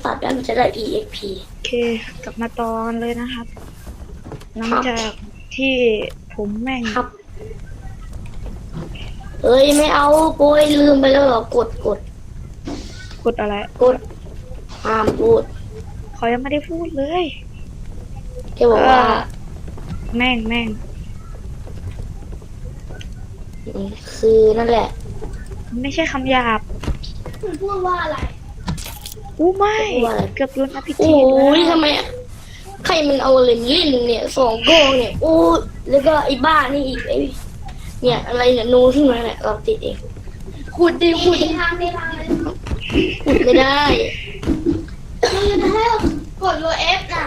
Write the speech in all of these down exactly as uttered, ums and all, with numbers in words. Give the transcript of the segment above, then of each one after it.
ตัดแล้วมันจะได้ อี เอ็กซ์ พีโอเคกลับมาตอนเลยนะครับหลังจากที่ผมแม่งครับเอ้ยไม่เอาโป้ยลืมไปแล้วเหรอกดกดกดอะไรกดห้ามพูดเขายังไม่ได้พูดเลยแกบอกว่าแม่งแม่งคือนั่นแหละไม่ใช่คำหยาบมันพูดว่าอะไรอู้ไม่เกือบโดนอภิเษกโอ้ยทำไมใครมันเอาเล่นเล่นเนี่ยสองโกงเนี่ยโอ้แล้วก็ไอ้บ้านี่อีกไอ้เนี่ยอะไรเนี่ยนูขึ้นมาเนี่ยเราติดเองขุดดิขุดทางในทางเลยขุดไม่ได้มันจะให้กดโลเอฟน่ะ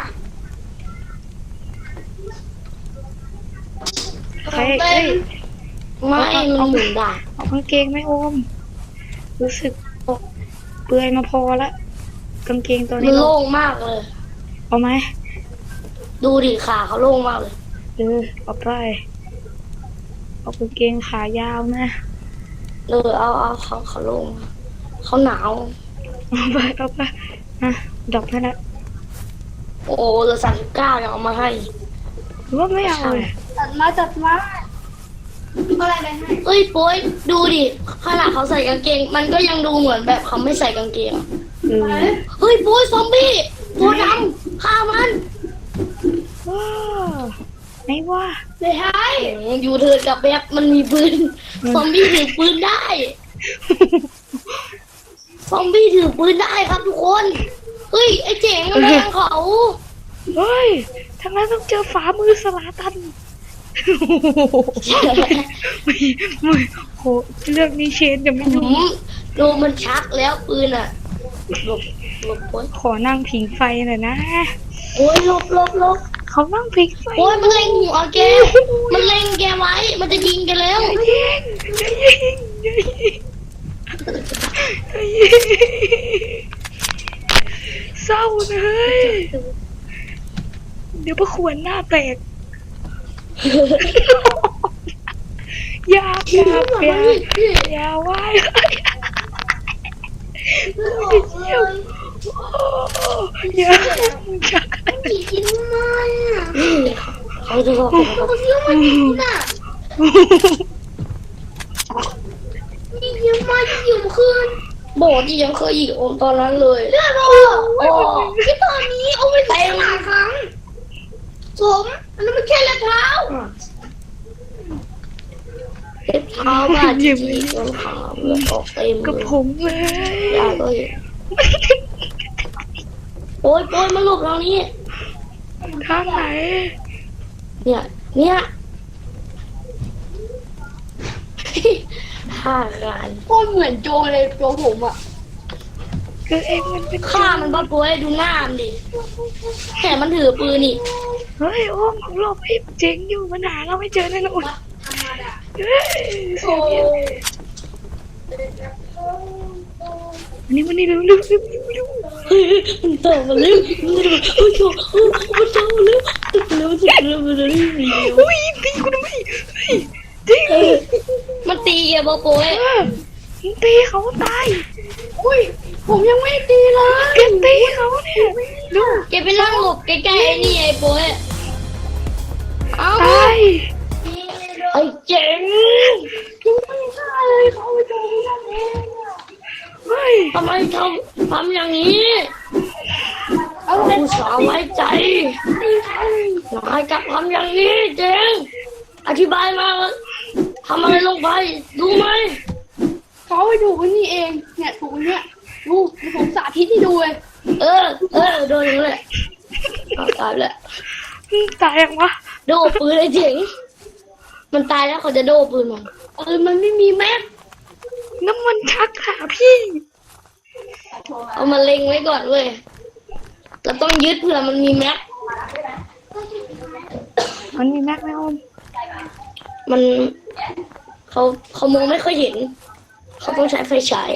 ใครเอ้ยไม่มันหมุนได้เอากางเกงไม่โอมรู้สึกเปื่อยมาพอละกางเกงตัวนี้มันโล่งมากเลยเอาไหมดูดิขาเขาโล่งมากเลยเออเอาไปเอากางเกงขายาวนะเออเอาเอาเขาเขาโล่งเขาหนาวเอาไปเอาไปอ่ะดอกนั่นแหละโอ้เหลือสามสิบเก้ายังเอามาให้หรือว่าไม่เอาเลยจัดมาจัดมาอะไรไปให้เอ้ยโป้ยดูดิขนาดเขาใส่กางเกงมันก็ยังดูเหมือนแบบเขาไม่ใส่กางเกงเฮ้ยโป้ยซอมบี้ตัวดำฆ่ามันว้าไม่ว่าเลยฮะอยู่เถิดกับแบบมันมีปืนซอมบี้ถือปืนได้ซอมบี้ถือปืนได้ครับทุกคนเฮ้ยไอ้เจ๋งกำลังเขาเฮ้ยทางนั้นต้องเจอฝามือสลาตันไม่ไม่โหเรื่องนี้เชนจะไม่รู้ดูมันชักแล้วปืนอ่ะหลบหลบโอ้ยขอนั่งผิงไฟหน่อยนะโอ้ยหลบหลบหลบเขานั่งผิงไฟโอ้ยมันเล็งหัวแกมันเล็งแกไว้มันจะยิงแกแล้วยิงยิงยิงยิงเศร้าเลยเดี๋ยวพระขวนหน้าแตกอย่าอย่าอย่าอย่าไหวอย่าอย่ากินมาเขาจะบอกเขาเยอะมากน่ะยิ่งเยอะมากยิ่งอยู่คืนบอกที่ยังเคยยิงโอมตอนนั้นเลยเรื่องอะไรโอ้ที่ตอนนี้โอมไปใส่หลายครั้งสมอันนั้นมันแค่เล็บเท้าเล็บเท้าบ้าจริงๆต้องขาเลือดออกเต็มกับผมเลยยาก็อยู่โอ้ยโอ้ยมาหลบเรานี่ทางไหนเนี่ยเนี่ยฆ่ากันโคตรเหมือนโจเลยโจผมอ่ะคือเองมันเป็นฆ่ามันบ้าป่วยดูหน้ามันดิแต่มันถือปืนนี่เฮ้ยโอ้มของเราไอ้เจ๋งอยู่มันหาเราไม่เจอแน่นอนเฮ้ยโอ้วันนี้วันนี้เร็วเร็วเร็วเร็วเฮ้ยมันต่อมาเร็วมันต่อโอ้ยโอ้ยมันต่อมาเร็วเร็วสุดเร็วเร็วเร็วโอ้ยตีกูทำไมเฮ้ยตีมันตีแกบ้าป่วยมันตีเขาตายอุ้ยผมยังไม่ตีเลยแกตีเขาเนี่ยดูแกไปนั่งหลบใกล้ๆไอ้นี่ไอ้ป่วยเอาตายไอ้เจ๋งยังไม่ได้เลยเขาไปเจอที่นั่นเองเฮ้ยทำไมทำทำอย่างนี้เอาผู้สาวไว้ใจนายกลับทำอย่างนี้เจ๋งอธิบายมาทำอะไรลงไปดูไหมเขาไปดูวันนี้เองเนี่ยถูกเนี่ยดูผมสาธิตให้ดูเลยเออเออโดนเลยตายแล้วตายยังวะโดนปืนไอ้เจ๋งมันตายแล้วเขาจะโดนปืนมันเออมันไม่มีแม็กน้ำมันชักหาพี่เอามาเล็งไว้ก่อนเว้ยเราต้องยึดเผื่อมันมีแม็กมันมีแม็กไหมอมมันเขาเขามองไม่ค่อยเห็นเขาต้องใช้ไฟฉาย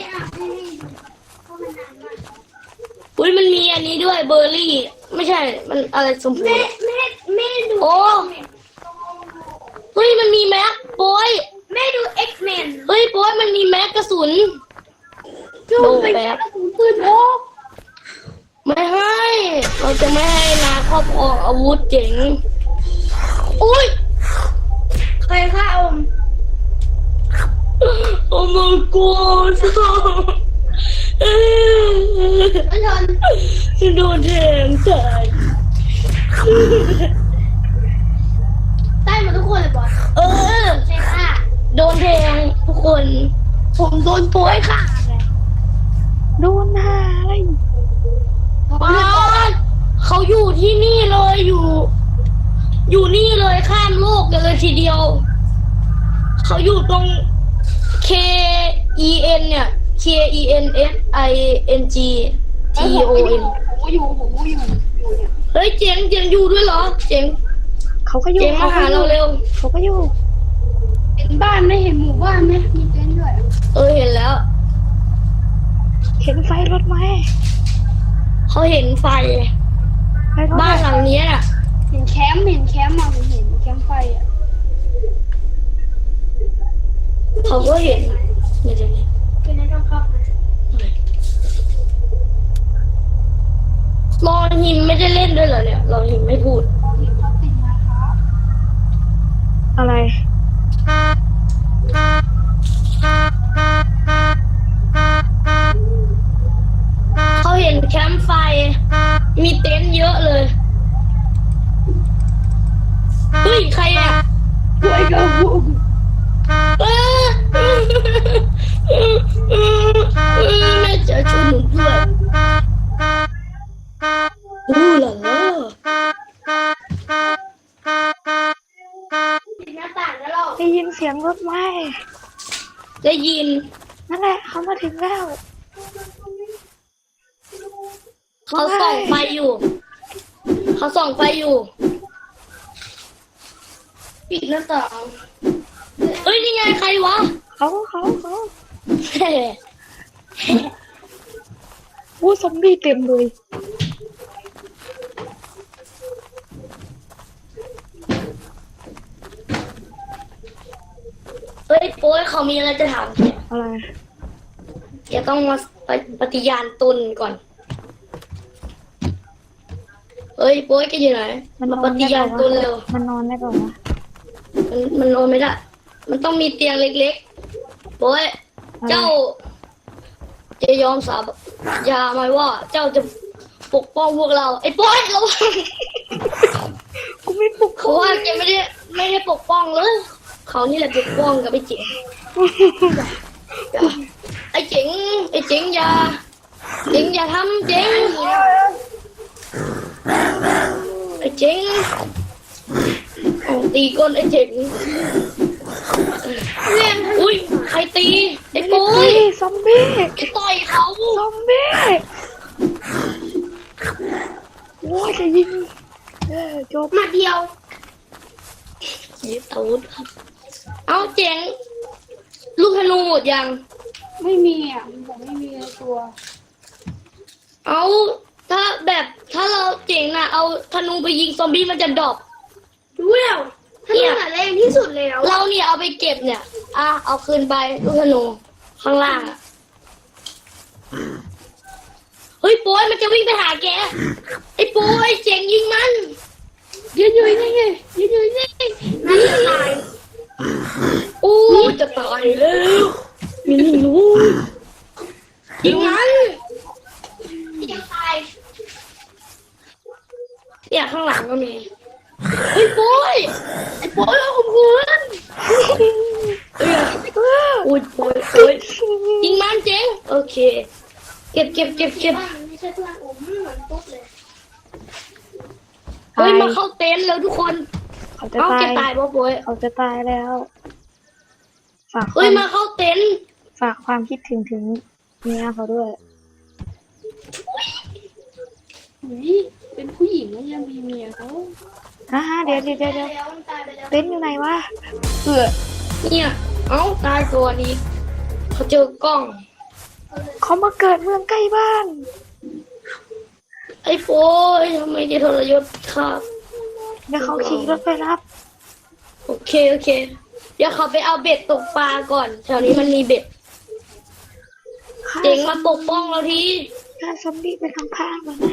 อุ้ยมันมีอันนี้ด้วยเบอร์รี่ไม่ใช่มันอะไรสมพูแม่แม่แม่ดูโอ้เฮ้ยมันมีแม็กโป้ยแม่ดูเอ็กซ์แมนเฮ้ยโป้ยมันมีแม็กกระสุนโดนแบบปืนโอ้ไม่ให้เราจะไม่ให้นาครอบครองอาวุธเจ๋งอุ้ยใครฆ่าอมโอ้ my god ไม่ทันโดนแทงตายได้หมดทุกคนเลยบอสเออใช่ค่ะโดนแทงทุกคนผมโดนโป้ยค่ะไงโดนหาอะไรผมอ๋อเลือดออกเขาอยู่ที่นี่เลยอยู่ อยู่นี่เลยข้ามโลกกันเลยทีเดียว เขาอยู่ตรง K E N เนี่ย K E N S I N G T เอ้ย O ผมก็อยู่ N ผมก็อยู่ผมก็อยู่อยู่เนี่ยเฮ้ยเจ๋งเจ๋งอยู่ด้วยเหรอ เจ๋งเขาก็อยู่เจ๋งมาหาเราเร็วเขาก็อยู่เห็นบ้านไหมเห็นหมู่บ้านไหมมีเต็นท์ด้วยเออเห็นแล้วเห็นไฟรถไหมเขาเห็นไฟไฟรถบ้านหลังเนี้ยน่ะเห็นแคมป์เห็นแคมป์มาผมเห็นแคมป์ไฟอ่ะเขาก็เห็นเดี๋ยวเดี๋ยวเดี๋ยวเป็นไงต้องเข้ามารอหิมไม่ได้เล่นด้วยเหรอเนี่ยรอหิมไม่พูดตอนนี้เขาติดมาครับอะไรเขาเห็นแคมป์ไฟ มีเต็นท์เยอะเลย เฮ้ย ใครอ่ะป่วยกับผมเออแม่จะช่วยหนูด้วยอู้หล่ะล่ะปิดหน้าต่างแล้วเราได้ยินเสียงรถไหมได้ยินนั่นแหละเขามาถึงแล้วเขาส่องไฟอยู่ เขาส่องไฟอยู่ปิดหน้าต่างเฮ้ย นี่ไงใครวะเขาเขาเขาเฮ้วู้ซอมบี้เต็มเลยเฮ้ยโป้ยเขามีอะไรจะถามแกอะไรแกต้องมาปฏิญาณตนก่อน เฮ้ยโป้ยแกอยู่ไหนมันนมาอปนฏิได้ญาเปณล่าตนวะเร็วมันนอนได้เปล่าวะมันมันนอนไม่ได้ มันต้องมีเตียงเล็กๆโป้ยเจ้า จะยอมสาบยาไหมว่า เจ้าจะปกป้องพวกเรา ไอ้โป้ยระวังกูไม่ปลุกเขาว่าแกไม่ได้ไม่ได้ปกป้องเลย เขานี่แหละปกป้องกับไอ้เจ๋งอย่าไอ้เจ๋งไอ้เจ๋งอย่าเจ๋งอย่าทำเจ๋งไอ้เจ๋งเอาตีก้นไอ้เจ๋งเล่นอุ้ยใครตีไอ้ปุ้ยนี่ซอมบี้ไอ้ต่อยเขาซอมบี้โว้ยจะยิงเออจบมาเดียวยึดอาวุธครับเอาเจ๋งลูกธนูหมดยังไม่มีอ่ะผมไม่มีในตัวเอาถ้าแบบถ้าเราเจ๋งนะเอาธนูไปยิงซอมบี้มันจะดรอปรู้แล้วถ้านี่แรงที่สุดแล้วเราเนี่ยเอาไปเก็บเนี่ยอ่ะเอาคืนไปลูกธนูข้างล่างอะเฮ้ยโป้ยมันจะวิ่งไปหาแกไอ้โป้ยเจ๋งยิงมันยืนอยู่นี่ไงยืนอยู่นี่นั่นจะตายอู้จะตายแล้วมีนี่รู้ยิงมันยังตายเนี่ยข้างหลังก็มีเฮ้ยโป้ยไอ้โป้ยเราข่มขืนเอออุ้ยโป้ยโป้ยยิงมันเจ๋งโอเค เก็บเก็บเก็บเก็บบ้านไม่ใช่เพื่อนผมเหมือนตุ๊กเลยเฮ้ยมาเข้าเต็นท์แล้วทุกคนเขาจะเอ้าตาแกยตายป่ะโป้ยเขาจะตายแล้วฝากคเฮ้วาย มมาเข้าเต็นท์ฝากความคิดถึงถึงเมียเขาด้วยนี่เป็นผู้หญิงแล้วยังมีเมียเขาอ่าเดี๋ยวเดี๋ยวเดี๋ยวเดี๋ยวแล้วมันตายไปแล้วเต็นท์อยู่ไหนวะเออเนี่ย เอ้าตายตัวนี้เขาเจอกล้องเขามาเกิดเมืองใกล้บ้านไอ้โป้ยทำไมจะทรยศครับเดี๋ยวเขาขี่รถไปรับโอเคโอเค เดี๋ยวเขาไปเอาเบ็ดตกปลาก่อนแถวนี้มันมีเบ็ดฆ่าเจ๋งมาปกป้องเราทีฆ่าซอมบี้ไปข้างๆมันนะ